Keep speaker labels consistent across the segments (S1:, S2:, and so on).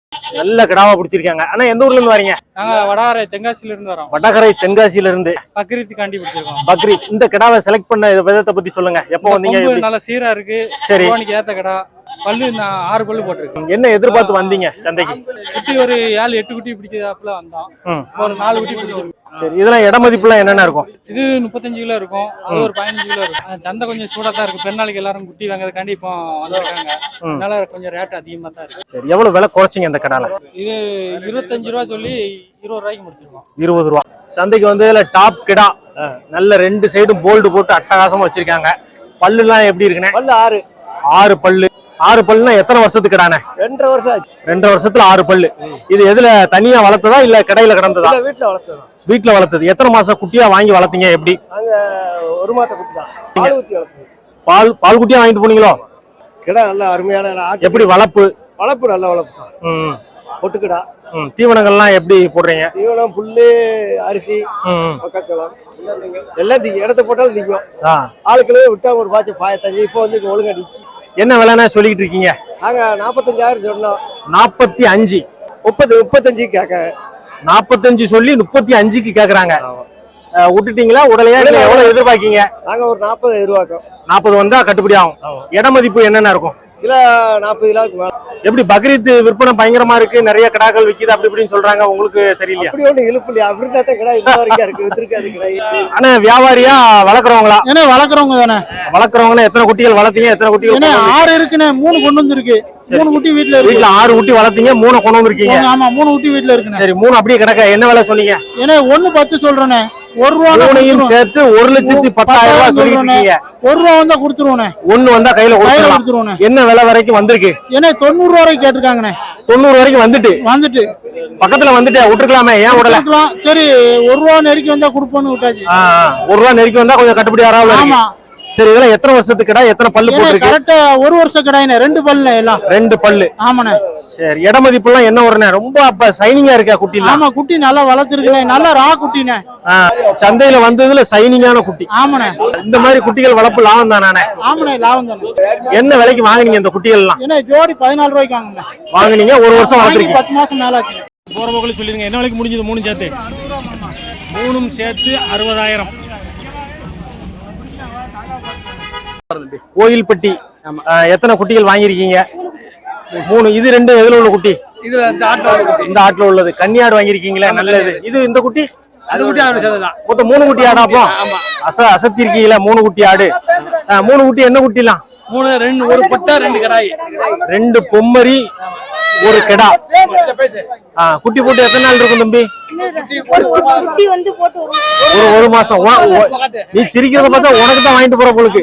S1: நல்ல கிடாவா பிடிச்சிருக்காங்க. ஆனா எந்த ஊர்ல இருந்து வரீங்க?
S2: நாங்க வடகரை தென்காசில இருந்து வரோம்.
S1: வடகரை தென்காசியில இருந்து.
S2: பக்ரீத் காண்டி பிடிச்சிருக்கோம்.
S1: பக்ரீத். இந்த கிடாவை செலக்ட் பண்ண விதத்தை பத்தி சொல்லுங்க. எப்போ வந்தீங்க?
S2: நல்ல சீரா இருக்கு.
S1: சரி.
S2: ஏத்த கடா. பல்லு 6 பல்லு போட்டுருக்கு.
S1: என்ன எதிர்பார்த்து வந்தீங்க சந்தைக்கு?
S2: குட்டி ஒரு 7-8 குட்டி பிடிக்கிறதாப்புல வந்தோம். ஒரு 4 குட்டி பிடிச்சிருக்கு.
S1: சரி, இதெல்லாம் இட மதிப்புலாம் என்னென்ன இருக்கும்?
S2: இது 35 கிலோ இருக்கும். அது ஒரு 15 கிலோ இருக்கும். சந்தை கொஞ்சம் சூடா தான் இருக்கு. பெருநாளைக்கு எல்லாரும் குட்டி வாங்குறதுக்காண்டி இப்போ வந்திருக்காங்க. அதனால கொஞ்சம் ரேட் அதிகமா தான் இருக்கு.
S1: சரி, எவ்வளவு விலை குறைச்சிங்க இந்த கடால?
S2: இது 25 ரூபா சொல்லி 20 ரூபாய்க்கு முடிச்சிருக்கோம்.
S1: 20 ரூபா. சந்தைக்கு வந்து டாப் கிடா நல்ல 2 சைடும் போல்டு போட்டு அட்டகாசமா வச்சிருக்காங்க. பல்லு எல்லாம் எப்படி இருக்குண்ணே?
S3: பல்லு
S1: 6 பல்லு. 6 பல்லுனா எத்தனை வருஷத்துக்கு கிடானே?
S3: 2.5 வருஷம் ஆச்சு.
S1: 2.5 வருஷத்துல 6 பல்லு. இது எதுல தனியா வளர்த்ததா இல்ல கடையில கிடந்ததா?
S3: வீட்டுல வளர்த்தது.
S1: வீட்டுல வளர்த்தது. எத்தனை மாசம் குட்டியா வாங்கி வளர்த்தீங்க? எப்படி?
S3: நாங்க 1 மாத குட்டி தான். பால் ஊத்தி வளர்த்தது.
S1: பால் குட்டியா வாங்கிட்டு போனீங்களோ?
S3: கிடா நல்ல அருமையான.
S1: எப்படி வளர்ப்பு?
S3: வளர்ப்பு நல்ல வளர்ப்பு தான். பொட்டுக்கிடா.
S1: தீவனங்கள்லாம் எப்படி போடுறீங்க?
S3: தீவனம் புல்லு, அரிசி, மக்காச்சோளம் எல்லாம் திங்கும். இடத்த போட்டாலும் திங்கும். ஆளுக்களே விட்டா ஒரு பாய்ச்சி பாயத்தஞ்சு. இப்போ வந்து ஒழுங்கா நிற்கி.
S1: என்ன விலைன்னா சொல்லிக்கிட்டு இருக்கீங்க?
S3: நாங்க 45,000 சொன்னோம்.
S1: 45.
S3: 35 கேட்க.
S1: 45 சொல்லி 35க்கு கேக்குறாங்க. விட்டுட்டீங்களா உடலையா? எவ்வளவு எதிர்பார்க்கீங்க?
S3: நாங்க ஒரு 40 எதிர்பார்க்கோம்.
S1: 40 வந்தா கட்டுப்படி ஆகும். இட மதிப்பு என்னென்ன இருக்கும்?
S3: கிலோ 40 கிலோக்கு மேல.
S1: எப்படி பக்ரீத் விற்பனை பயங்கரமா இருக்கு, நிறைய கிடாக்கள் விக்குது அப்படி இப்படின்னு சொல்றாங்க. உங்களுக்கு சரியில்லையா?
S3: அப்படி ஒண்ணு இழுப்பு இல்லையா? அப்படிதான் கிடா இன்ன வரைக்கும் இருக்கு. வித்திருக்காது கிடா.
S1: ஆனா வியாபாரியா வளர்க்குறவங்களா?
S4: ஏன்னா வளர்க்குறவங்க தானே.
S1: வளர்க்குறவங்க எத்தனை குட்டிகள் வளர்த்தீங்க? எத்தனை குட்டிகள்?
S4: 6 இருக்குண்ணே. 3 கொண்டு வந்திருக்கு. 3 குட்டி வீட்டுல இருக்கு.
S1: வீட்டுல 6 குட்டி வளர்த்தீங்க, 3 கொண்டு வந்திருக்கீங்க.
S4: ஆமா, 3 குட்டி வீட்டுல இருக்குண்ணே.
S1: சரி, 3 அப்படியே கிடக்க. என்ன விலை சொன்னீங்க?
S4: ஏன்னா 1.10 சொல்றேனே. 1 ரூபாயும்
S1: சேர்த்து 1,10,000 ரூபாய் சொல்லிருக்கீங்க.
S4: 1 ரூபா வந்தா கொடுத்துருவோனே.
S1: 1 வந்தா கையில கொடுத்துருவோனே. என்ன விலை வரைக்கும் வந்திருக்கு?
S4: ஏன்னா 90 ரூபா வரைக்கும் கேட்டிருக்காங்கண்ணே.
S1: 90 வரைக்கும் வந்துட்டு பக்கத்துல வந்துட்டு விட்டுருக்கலாமே, ஏன் விடல?
S4: சரி, 1 ரூபா நெருக்கி வந்தா கொடுப்போன்னு விட்டாச்சு.
S1: 1 ரூபா நெருக்கி வந்தா கொஞ்சம் கட்டுப்படி ஆறாவது.
S4: ஆமா.
S1: சரி, இதெல்லாம் எத்தனை வருஷத்துக்கு கடா? எத்தனை பல்லு போட்டுருக்கு?
S4: கரெக்டா 1 வருஷம் கடாயினே. 2 பல்லு எல்லாம். 2
S1: பல்லு.
S4: ஆமாண்ணே.
S1: சரி, இட மதிப்புலாம் என்ன வரும்னே? ரொம்ப அப்ப சைனிங்கா இருக்கா குட்டி?
S4: ஆமா, குட்டி நல்லா வளர்த்திருக்கே. நல்ல ரா குட்டினே.
S1: சந்தையில வந்ததுல சைனிங்கான குட்டி.
S4: ஆமாண்ணே.
S1: இந்த மாதிரி குட்டிகள் வளர்ப்பு லாபம் தானே?
S4: ஆமாண்ணே, லாபம் தானே.
S1: என்ன விலைக்கு வாங்குனீங்க இந்த குட்டிகள் எல்லாம்?
S4: ஏன்னா ஜோடி 14 ரூபாய்க்கு
S1: வாங்குனீங்க. 1 வருஷம் வளர்த்துறீங்க.
S4: 10 மாசம் மேல ஆச்சு.
S1: போற போக்குல சொல்லிருங்க. என்ன விலைக்கு முடிஞ்சது? 3 சேர்த்து 3 சேர்த்து 60,000. கோயில்பட்டி. எத்தனை குட்டிகள் வாங்கிருக்கீங்க? 3. இது 2 எதுல உள்ள குட்டி? இந்த ஆட்டுல உள்ளது. கன்னியாடு வாங்கிருக்கீங்களா? நல்லது. இது இந்த குட்டி மொத்தம் 3 குட்டி ஆடாப்போ அசத்தி இருக்கீங்களா? 3 குட்டி ஆடு. 3 குட்டி என்ன குட்டிலாம்?
S2: 2 ஒரு பொட்டா 2 கடாய்.
S1: 2 பொம்மரி 1 கெடா. குட்டி போட்டு எத்தனை நாள் இருக்கும் தம்பி? ஒரு மாசம். நீ சிரிக்கிறத பார்த்தா உனக்கு தான் வாங்கிட்டு போற போலுக்கு.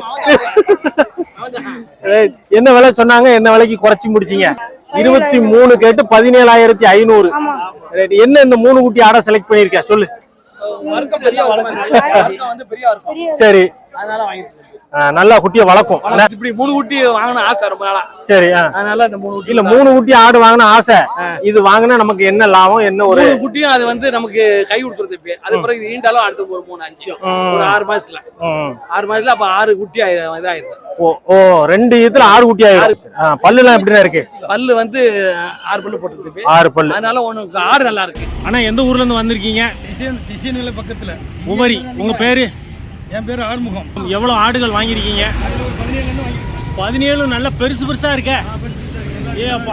S1: என்ன விலை சொன்னாங்க? என்ன விலைக்கு குறைச்சி முடிச்சீங்க? 23 கேட்டு 17,500. என்ன இந்த 3 குட்டி ஆட செலக்ட் பண்ணிருக்க சொல்லு. சரி, நல்லா குட்டிய வளர்க்கும்.
S2: இப்படி 3 குட்டி வாங்கணும் ஆசை ரொம்ப நாளா.
S1: சரி,
S2: அதனால இந்த 3 குட்டி.
S1: இல்ல 3 குட்டி ஆடு வாங்கின ஆசை. இது வாங்கினா நமக்கு என்ன லாபம்? என்ன ஒரு
S2: 3 குட்டியும் அது வந்து நமக்கு கை கொடுத்துருது. அது பிறகு இது ஈண்டாலும் அடுத்து ஒரு 3-5 ஒரு 6 மாசத்துல 6 மாசத்துல அப்ப 6 குட்டி இதாயிருது.
S1: ஓ 2 இதுல 6 குட்டி ஆயிரும். பல்லு எல்லாம் எப்படின்னா இருக்கு?
S2: பல்லு வந்து 6 பல்லு போட்டுருக்கு.
S1: 6 பல்லு.
S2: அதனால உனக்கு ஆடு நல்லா இருக்கு.
S1: ஆனா எந்த ஊர்ல இருந்து வந்திருக்கீங்க?
S4: திசைநிலை பக்கத்துல
S1: உமரி. உங்க பேரு?
S4: என் பேரு ஆறுமுகம்.
S1: எவ்வளவு ஆடுகள் வாங்கிருக்கீங்க? 17. நல்ல பெருசு பெருசா இருக்க. ஏப்பா,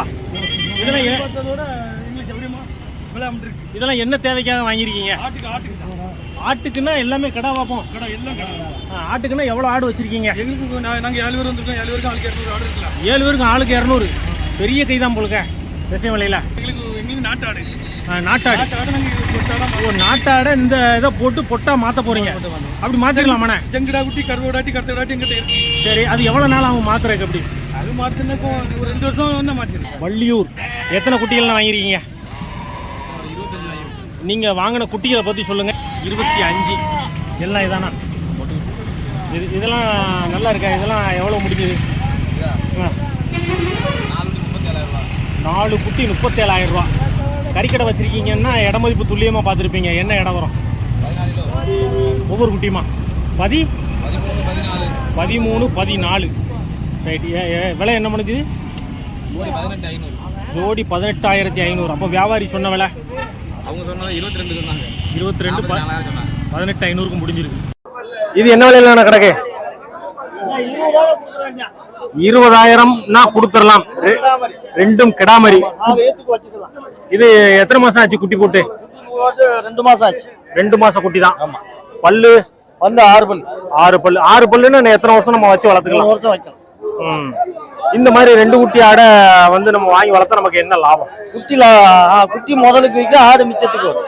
S1: இதெல்லாம் என்ன தேவைக்காக வாங்கிருக்கீங்க? ஆட்டுக்குன்னா எல்லாமே கடா பார்ப்போம். ஆட்டுக்குன்னா எவ்வளவு ஆடு வச்சிருக்கீங்க?
S4: நாங்க 7 பேர் வந்திருக்கோம். 7 பேருக்கு ஆளுக்கு 200 ஆடு இருக்கலாம்.
S1: 7 பேருக்கு ஆளுக்கு 200. பெரிய கைதான் போலுக்க திசை வலையில.
S4: நாட்டாடு.
S1: நாட்டாடு. நாட்டாட இந்த இதை போட்டு பொட்டா மாத்த போறீங்க. அப்படி மாத்திக்கலாமாண்ணே?
S4: செங்கடா குட்டி, கருவடாட்டி, கருத்தடாட்டி எங்கிட்ட இருக்கு.
S1: சரி, அது எவ்வளவு நாள் ஆகும் மாத்துறதுக்கு? அப்படி
S4: அது மாத்தினா ஒரு 2 வருஷம் வந்து மாத்திருக்கேன்.
S1: வள்ளியூர். எத்தனை குட்டிகள் வாங்கிருக்கீங்க?
S4: 25,000.
S1: நீங்க வாங்கின குட்டிகளை பத்தி சொல்லுங்க. 25. எல்லாம் இதானா? இதெல்லாம் நல்லா இருக்கா? இதெல்லாம் எவ்வளவு முடிஞ்சது? 4 குட்டி 37,000 ரூபா. கறிக்கடை வச்சிருக்கீங்கன்னா இட மதிப்பு துல்லியமா பார்த்துருப்பீங்க. என்ன இடம் வரும் ஒவ்வொரு குட்டியுமா? 13, 14. ரைட். விலை என்ன முடிஞ்சுது? ஜோடி 18,500. அப்போ வியாபாரி சொன்ன விலை
S5: அவங்க சொன்னது 22 சொன்னாங்க.
S1: 22
S5: 4,000 சொன்னாங்க.
S1: 18,500க்கு முடிஞ்சிருக்கு. இது என்ன விலையில கிடக்கு? 20,000னா கொடுத்துடலாம். ரெண்டும் கிடாமரி. இது எத்தனை மாசம் ஆச்சு குட்டி போட்டு?
S3: 2 மாசம் ஆச்சு.
S1: 2 மாசம் குட்டி தான். பல்லு
S3: வந்து 6 பல்லு.
S1: 6 பல்லு. 6 பல்லுன்னு எத்தனை வருஷம் நம்ம வச்சு வளர்த்துக்கலாம்?
S3: 3 வருஷம் வைக்கலாம்.
S1: இந்த மாதிரி 2 குட்டி ஆடை வந்து நம்ம வாங்கி வளர்த்தா நமக்கு என்ன லாபம்?
S3: குட்டி முதலுக்கு வைக்க, ஆடு மிச்சத்துக்கு வரும்.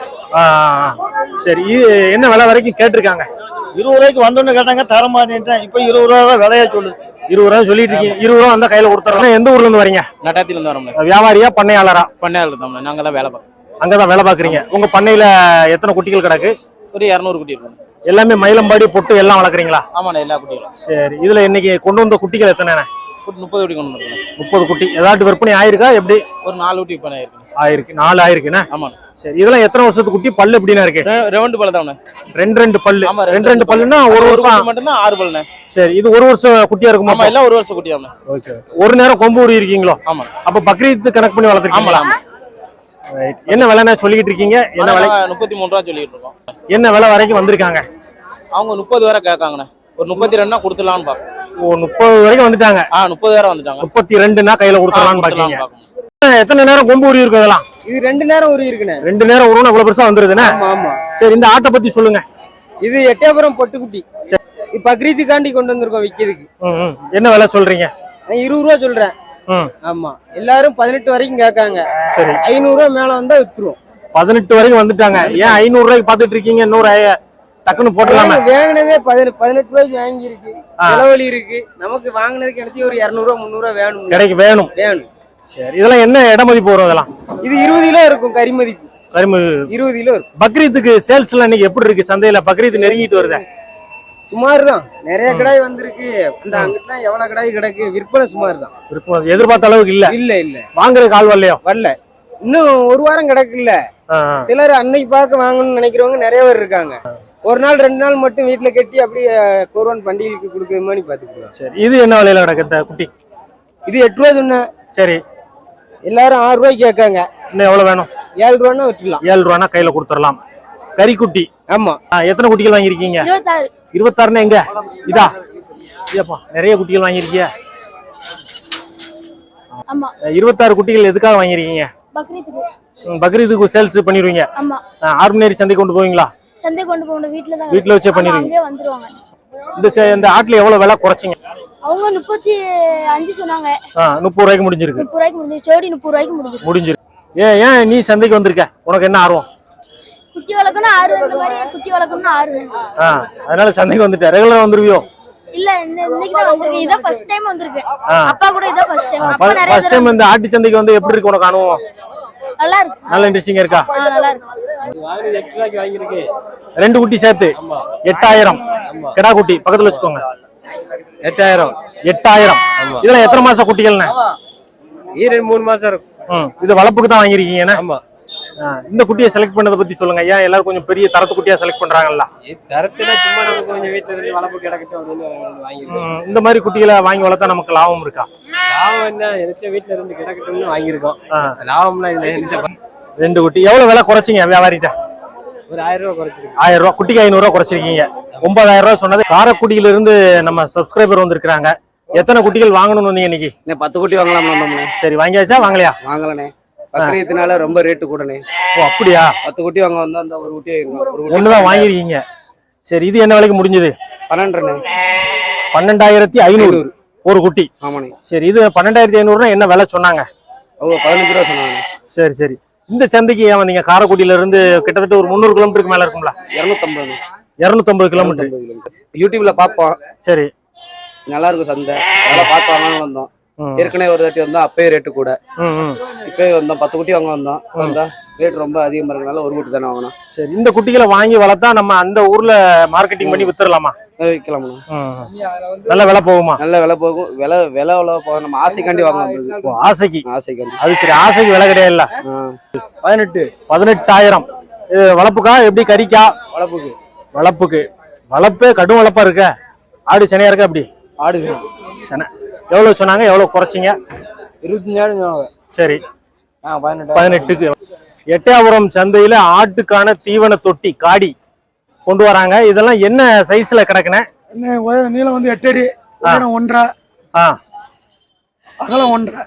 S1: சரி, இது என்ன விலை வரைக்கும் கேட்டிருக்காங்க?
S3: 20 ரூபாய்க்கு வந்தோன்னு கேட்டாங்க, தர மாட்டேன்ட்டேன். இப்போ 20 ரூபா தான் விலையா சொல்லுது.
S1: 20 ரூபா சொல்லிட்டு இருக்கீங்க. 20 ரூபா வந்தா கையில கொடுத்துறோம். எந்த ஊர்ல இருந்து வரீங்க?
S5: நட்டாத்தில இருந்து வரோம்ல.
S1: வியாபாரியா பண்ணையாளரா?
S5: பண்ணையாளர் தான். நாங்க தான் வேலை பார்க்கறோம்.
S1: அங்கதான் வேலை பாக்குறீங்க. உங்க பண்ணையில எத்தனை குட்டிகள் கிடக்கு?
S5: ஒரு 200 குட்டி இருக்கும்.
S1: எல்லாமே மயிலம்பாடி பொட்டு எல்லாம் வளர்க்குறீங்களா?
S5: ஆமாண்ணே, எல்லா குட்டிகளும்.
S1: சரி, இதுல இன்னைக்கு கொண்டு வந்த குட்டிகள் எத்தனை?
S5: 30 குட்டி கொண்டு வந்திருக்கோம்.
S1: 30 குட்டி. ஏதாட்டு விற்பனை ஆயிருக்கா? எப்படி?
S5: ஒரு 4 குட்டி விற்பனை ஆயிருக்கு.
S1: ஆயிருக்கு. 4 ஆயிருக்குண்ணே.
S5: ஆமாண்ணே.
S1: சரி, இதெல்லாம் எத்தனை வருஷத்து குட்டி? பல்லு எப்படின்னா இருக்கு?
S5: 2 பல்லு தானே.
S1: 2 பல்லு.
S5: ஆமா,
S1: 2 பல்லுன்னா ஒரு வருஷம்
S5: மட்டும் தான் 6 பல்லுண்ணே.
S1: சரி, இது ஒரு வருஷம் குட்டியா இருக்குமா?
S5: ஆமா, எல்லாம் 1 வருஷம் குட்டி தானே.
S1: ஓகே. ஒரு நேரம் கொம்பு ஊறி இருக்கீங்களோ?
S5: ஆமா.
S1: அப்ப பக்ரீத் கணக்கு பண்ணி வளர்த்துருக்கீங்களா?
S5: ஆமா.
S1: ரைட். என்ன விலைன்னா சொல்லிக்கிட்டு இருக்கீங்க? என்ன விலை?
S5: 33 ரூபா சொல்லிட்டு இருக்கோம்.
S1: என்ன விலை வரைக்கும் வந்திருக்காங்க?
S5: அவங்க 30 வரை கேட்காங்கண்ணே. ஒரு 32னா கொடுத்துடலாம்னு பாக்கோம்.
S1: ஓ, 30 வரைக்கும் வந்துட்டாங்க.
S5: 30 வரை வந்துட்டாங்க.
S1: 32னா கையில கொடுத்துடலாம்னு பாக்கீங்க. எத்தனை நேரம் கொம்பு ஊறி இருக்கு இதெல்லாம்?
S6: இது 2 நேரம் ஊறி இருக்குண்ணே.
S1: 2 நேரம் ஊறுனா இவ்வளவு பெருசா வந்துருதுண்ணே.
S6: ஆமா ஆமா.
S1: சரி, இந்த ஆட்டை பத்தி சொல்லுங்க.
S6: இது எட்டயபுரம் பொட்டுக்குட்டி. இது பக்ரீத்துக்காண்டி கொண்டு வந்திருக்கோம் விக்கிறதுக்கு.
S1: என்ன விலை சொல்றீங்க?
S6: நான் 20 ரூபா சொல்றேன். ஆமா, எல்லாரும் 18 வரைக்கும் கேட்காங்க.
S1: சரி,
S6: 500 ரூபா மேல வந்தா வித்துருவோம்.
S1: 18 வரைக்கும் வந்துட்டாங்க. ஏன் 500 ரூபாய்க்கு பாத்துட்டு இருக்கீங்க? 100 டக்குன்னு போட்டலாமே.
S6: வாங்கினதே 18 ரூபாய்க்கு வாங்கி இருக்கு. செலவழி இருக்கு. நமக்கு வாங்கினதுக்கு எடுத்து ஒரு 200 ரூபா 300 ரூபா வேணும்.
S1: கிடைக்கு வேணும். சரி, இதெல்லாம் என்ன இட மதிப்பு வரும்? இதெல்லாம்
S6: இது 20 கிலோ இருக்கும். கறி மதிப்பு 20 கிலோ இருக்கும்.
S1: பக்ரீத்துக்கு சேல்ஸ் எல்லாம் இன்னைக்கு எப்படி இருக்கு சந்தையில? பக்ரீத் நெருங்கிட்டு வருது.
S6: சுமார் தான். நிறைய கடாய் வந்திருக்கு. அந்த அங்கிட்டலாம் எவ்வளவு கடாய் கிடக்கு. விற்பனை சுமார் தான்.
S1: எதிர்பார்த்த அளவுக்கு இல்ல.
S6: இல்ல
S1: வாங்குற கால் வரலையோ? வரல.
S6: இன்னும் ஒரு வாரம் கிடக்குல்ல. சிலர் அன்னைக்கு பார்க்க வாங்கணும்னு நினைக்கிறவங்க நிறைய பேர் இருக்காங்க. ஒரு நாள் 2 நாள் மட்டும் வீட்டுல கட்டி அப்படியே குர்பான் பண்டிகைக்கு கொடுக்குற மாதிரி பாத்துக்கலாம்.
S1: சரி, இது என்ன விலையில கிடக்கு குட்டி?
S6: இது 8 ரூபா சொன்ன. சரி, எல்லாரும் 6 ரூபாய்க்கு கேட்காங்க.
S1: இன்னும் எவ்வளவு வேணும்?
S6: 7 ரூபான்னா விட்டுலாம்.
S1: 7 ரூபானா கையில கொடுத்துடலாம். கறிக்குட்டி.
S6: ஆமா.
S1: எத்தனை குட்டிகள் வாங்கியிருக்கீங்க?
S7: 26.
S1: 26ன்னா எங்க? இதா? ஏப்பா, நிறைய குட்டிகள் வாங்கியிருக்கீங்க.
S7: ஆமா.
S1: 26 குட்டிகள் எதுக்காக வாங்கியிருக்கீங்க?
S7: பக்ரீத்துக்கு.
S1: பக்ரீத்துக்கு சேல்ஸ் பண்ணிடுவீங்க?
S7: ஆமா.
S1: ஆர்மினரி சந்தை கொண்டு போவீங்களா?
S7: சந்தை கொண்டு போகணும். வீட்ல
S1: வச்சே பண்ணிடுவீங்க.
S7: அங்கே வந்துருவாங்க.
S1: இந்த ஆட்ல எவ்வளவு விலை குறைச்சிங்க?
S7: அவங்க 35 சொன்னாங்க.
S1: 30 ரூபாய்க்கு முடிஞ்சிருக்கு.
S7: 30 ரூபாய்க்கு முடிஞ்சு. ஜோடி 30 ரூபாய்க்கு முடிஞ்சிருக்கு.
S1: ஏன் நீ சந்தைக்கு வந்திருக்க? உனக்கு என்ன ஆர்வம்?
S7: குட்டி வளர்க்கணும் ஆர்வம். இந்த மாதிரி குட்டி வளர்க்கணும்னு ஆர்வம்.
S1: அதனால சந்தைக்கு வந்துட்ட. ரெகுலரா வந்துருவியோ?
S7: இல்ல, இன்னைக்கு தான் வந்திருக்கேன். இதான் ஃபர்ஸ்ட் டைம் வந்திருக்கேன். அப்பா கூட இதான் ஃபர்ஸ்ட் டைம். அப்பா நிறைய
S1: ஃபர்ஸ்ட் டைம் இந்த ஆட்டு சந்தைக்கு வந்து எப்படி இருக்கு உனக்கு அனுபவம்?
S7: நல்லா இருக்கு.
S1: நல்ல இன்ட்ரெஸ்டிங்கா இருக்கா?
S7: நல்லா இருக்கு.
S1: 2 குட்டி சேர்த்து 8000. கிடா குட்டி பக்கத்துல வச்சுக்கோங்க. 8000. இதெல்லாம் எத்தனை மாசம் குட்டிகள்னா?
S6: 3 மாசம் இருக்கும்.
S1: இது வளர்ப்புக்கு தான் வாங்கிருக்கீங்க?
S6: ஆமா.
S1: இந்த குட்டியை செலக்ட் பண்ணதை பத்தி சொல்லுங்க. ஏன் எல்லாரும் கொஞ்சம் பெரிய தரத்து குட்டியா செலக்ட் பண்றாங்கல்ல?
S6: தரத்துல சும்மா நமக்கு கொஞ்சம் வீட்டுல இருந்து வளர்ப்பு கிடக்கட்டும் வாங்கிருக்கோம்.
S1: இந்த மாதிரி குட்டிகளை வாங்கி வளர்த்தா நமக்கு லாபம் இருக்கா?
S6: லாபம் என்ன, எதாச்சும் வீட்டுல இருந்து கிடக்கட்டும்னு வாங்கியிருக்கோம். லாபம்லாம் இதுல
S1: 2 குட்டி. எவ்வளவு விலை குறைச்சிங்க வியாபாரிட்ட?
S6: ஒரு 1000 ரூபா குறைச்சிருக்கு.
S1: 1000 ரூபா. குட்டிக்கு 500 ரூபா குறைச்சிருக்கீங்க. 9000 ரூபா சொன்னது. காரைக்குடியில இருந்து நம்ம சப்ஸ்கிரைபர் வந்திருக்காங்க. எத்தனை குட்டிகள் வாங்கணும்னு வந்தீங்க இன்னைக்கு?
S6: 10 குட்டி வாங்கலாம்.
S1: சரி, வாங்கியாச்சா? வாங்கலையா?
S6: வாங்கலனே. பக்ரீத்துனால ரொம்ப ரேட்டு கூடனே.
S1: ஓ, அப்படியா?
S6: 10 குட்டி வாங்க வந்தா அந்த ஒரு குட்டி
S1: ஒண்ணுதான் வாங்கிருக்கீங்க. சரி, இது என்ன விலைக்கு முடிஞ்சது?
S6: 12.
S1: 12,500 ஒரு குட்டி.
S6: ஆமாண்ணே.
S1: சரி, இது 12,500 என்ன விலை சொன்னாங்க?
S6: அவங்க 15 ரூபா சொன்னாங்க.
S1: சரி. இந்த சந்தைக்கு ஏன் வந்தீங்க? காரைக்குடியில இருந்து கிட்டத்தட்ட ஒரு 300 கிலோமீட்டருக்கு மேல இருக்கும்ல? 250 கிலோமீட்டர்.
S6: யூடியூப்ல பாப்போம்.
S1: சரி,
S6: நல்லா இருக்கும் சந்தை. அதெல்லாம் பார்த்து வாங்கலாம்னு வந்தோம். ஏற்கனவே ஒரு தாட்டி வந்தோம். அப்பயே ரேட்டு கூட. இப்பயே வந்தோம். 10 குட்டி வாங்க வந்தா ரேட் ரொம்ப அதிகமா இருக்கனால ஒரு குட்டி தானே வாங்கணும்.
S1: சரி, இந்த குட்டிகளை வாங்கி வளர்த்தா நம்ம அந்த ஊர்ல மார்க்கெட்டிங் பண்ணி வித்துடலாமா?
S6: விற்கலாமா?
S1: நல்ல விலை போகுமா?
S6: நல்ல விலை போகும். விலை போகும். நம்ம ஆசைக்காண்டி வாங்கலாம். ஆசைக்காண்டி.
S1: அது சரி, ஆசைக்கு விலை கிடையாது. 18,000. இது வளர்ப்புக்கா எப்படி? கறிக்கா? வளர்ப்புக்கு. வளர்ப்பே கடும் வளர்ப்பா இருக்க. ஆடு சனையா இருக்கா? அப்படி ஆடு சனை. எவ்வளவு சொன்னாங்க? எவ்வளவு குறைச்சிங்க?
S3: 25,000.
S1: சரி, 18க்கு. எட்டயபுரம் சந்தையில ஆட்டுக்கான தீவன தொட்டி காடி கொண்டு வராங்க. இதெல்லாம் என்ன சைஸ்ல கிடக்குனே?
S3: நீளம் வந்து 8 அடி, உயரம் 1.5,
S1: ஆ
S3: அகலம் 1.5.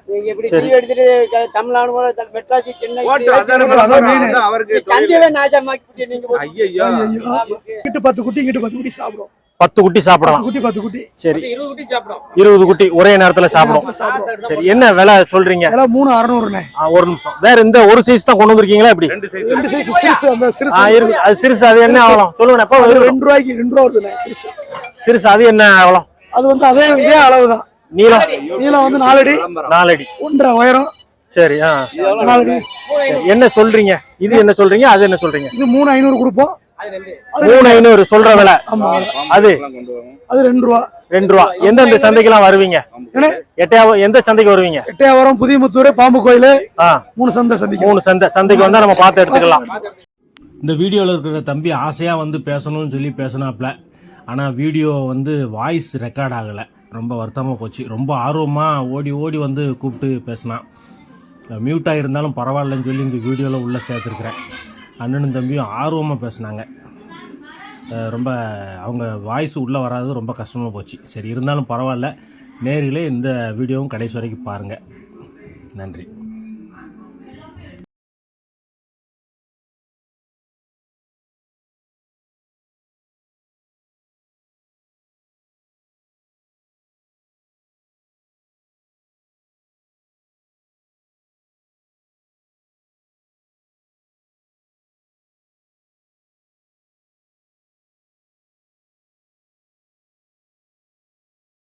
S3: இங்கிட்டு 10 குட்டி, இங்கிட்டு 10 குட்டி சாப்பிடும்.
S1: 10 குட்டி சாப்பிடலாம்.
S3: 10 குட்டி.
S1: சரி, 20 குட்டி ஒரே நேரத்துல சாப்பிடும். சரி, என்ன விலை சொல்றீங்க?
S3: 3,600.
S1: ஒரு நிமிஷம். வேற இந்த ஒரு சைஸ் தான் கொண்டு வந்திருக்கீங்களா? இப்படி
S3: 2 சைஸ் சிறுசு, அந்த சிறுசு
S1: அது சிறுசு. அது என்ன ஆகலாம் சொல்லுங்க. எப்ப
S3: 2 ரூபாய்க்கு 2 ரூபா வருதுண்ணே சிறுசு.
S1: சிறுசு அது என்ன ஆகலாம்?
S3: அது வந்து இதே அளவுதான். நீளம் வந்து 4 அடி,
S1: 4 அடி,
S3: 1.5 உயரம்.
S1: சரி,
S3: 4 அடி.
S1: என்ன சொல்றீங்க? இது என்ன சொல்றீங்க? அது என்ன சொல்றீங்க?
S3: இது 3,500 கொடுப்போம்.
S1: 3,500 சொல்ற விலை. அது
S3: 2 ரூபா.
S1: 2 ரூபா. எந்தெந்த சந்தைக்கெல்லாம் வருவீங்க? எட்டயபுரம் எந்த சந்தைக்கு வருவீங்க?
S3: எட்டயபுரம், புதியமுத்தூர், பாம்பு கோயில், 3 சந்தை சந்தைக்கு.
S1: 3 சந்தைக்கு வந்தா நம்ம பார்த்து எடுத்துக்கலாம். இந்த வீடியோவில் இருக்கிற தம்பி ஆசையாக வந்து பேசணும்னு சொல்லி பேசினாப்ல. ஆனால் வீடியோ வந்து வாய்ஸ் ரெக்கார்ட் ஆகலை. ரொம்ப வருத்தமாக போச்சு. ரொம்ப ஆர்வமாக ஓடி ஓடி வந்து கூப்பிட்டு பேசினான். மியூட்டாக இருந்தாலும் பரவாயில்லன்னு சொல்லி இந்த வீடியோவில் உள்ளே சேர்த்துருக்குறேன். அண்ணனும் தம்பியும் ஆர்வமாக பேசினாங்க. ரொம்ப அவங்க வாய்ஸ் உள்ளே வராது ரொம்ப கஷ்டமாக போச்சு. சரி, இருந்தாலும் பரவாயில்ல. நேரிலே இந்த வீடியோவும் கடைசி வரைக்கும் பாருங்கள். நன்றி.